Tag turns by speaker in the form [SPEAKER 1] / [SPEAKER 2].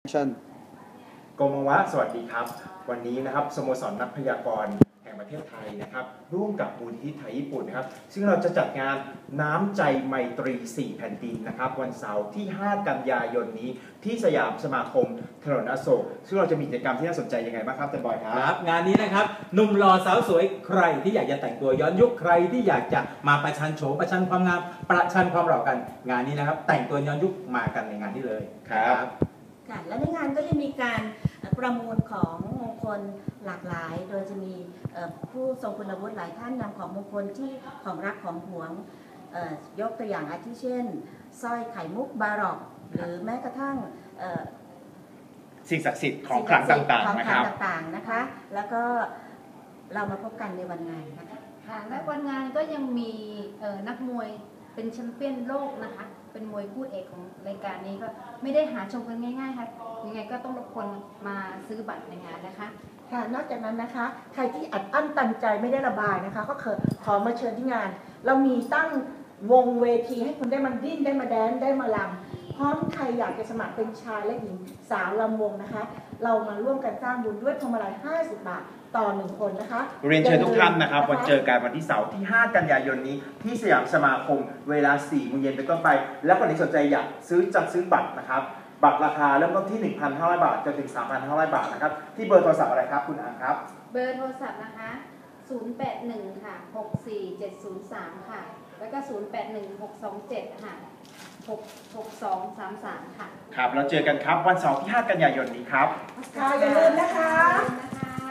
[SPEAKER 1] ชั่น
[SPEAKER 2] โกมวะสวัสดีครับวันนี้นะครับสโมสรนักพยากรณ์แห่งประเทศไทยนะครับร่วมกับมูลนิธิไทยญี่ปุ่นนะครับซึ่งเราจะจัดงานน้ำใจไมตรี 4 แผ่นดินนะครับวันเสาร์ที่ 5 กันยายนนี้ที่สยามสมาคมถนนอโศกซึ่งเราจะมีกิจกรรมที่น่าสนใจยังไงบ้างครับเต้นบอยครับ
[SPEAKER 3] งานนี้นะครับหนุ่มหล่อสาวสวยใครที่อยากจะแต่งตัวย้อนยุคใครที่อยากจะมาประชันโฉมประชันความงามประชันความหล่อกันงานนี้นะครับแต่งตัวย้อนยุคมากันในงานนี้เลย
[SPEAKER 2] ครับ
[SPEAKER 4] ค่ะและในงานก็จะมีการประมูลของมงคลหลากหลาย โดยจะมีผู้ทรงคุณวุฒิหลายท่านนำของมงคลที่ของรักของหวงยกตัวอย่างอาทิเช่นสร้อยไข่มุกบารอกหรือแม้กระทั่ง
[SPEAKER 2] สิ่งศักดิ์สิทธิ์ของขลังต่างๆนะครับ
[SPEAKER 4] นะคะแล้วก็เรามาพบกันในวันงานนะคะ
[SPEAKER 5] ค่ะและวันงานก็ยังมีนักมวยเป็นแชมเปี้ยนโลกนะคะเป็นมวยคู่เอกของรายการนี้ก็ไม่ได้หาชมกันง่ายๆค่ะยังไงก็ต้องรบกวนมาซื้อบัตรในงานนะคะ
[SPEAKER 4] ค่ะนอกจากนั้นนะคะใครที่อัดอั้นตันใจไม่ได้ระบายนะคะก็ขอมาเชิญที่งานเรามีตั้งวงเวทีให้คุณได้มาดิ้นได้มาแดนได้มาลำพร้อมใครอยากจะสมัครเป็นชายและหญิงสาวลำวงนะคะเรามาร่วมกันสร้างบุญด้วยพวงมาลัย50 บาทต่อ1คนนะคะ
[SPEAKER 2] เรียนเชิญทุกท่านนะครับวันเจอกันวันที่เสาร์ที่ 5 กันยายนนี้ที่สยามสมาคมเวลา 4 โมงเย็นเป็นต้นไปและคนที่สนใจอยากจัดซื้อบัตรนะครับบัตรราคาเริ่มต้นที่ 1,500 บาทจนถึง 3,500 บาทนะครับที่เบอร์โทรศัพท์อะไรครับคุณอังครับ
[SPEAKER 5] เบอร์โทรศัพท์นะคะ081ค่ะ64703ค่ะแล้วก็081627ค่ะ66233ค่ะ
[SPEAKER 2] ครับเราเจอกันครับวันเสาร์ที่ 5 กันยายนนี้ครับ
[SPEAKER 4] ค่ะอย่าลืมนะคะ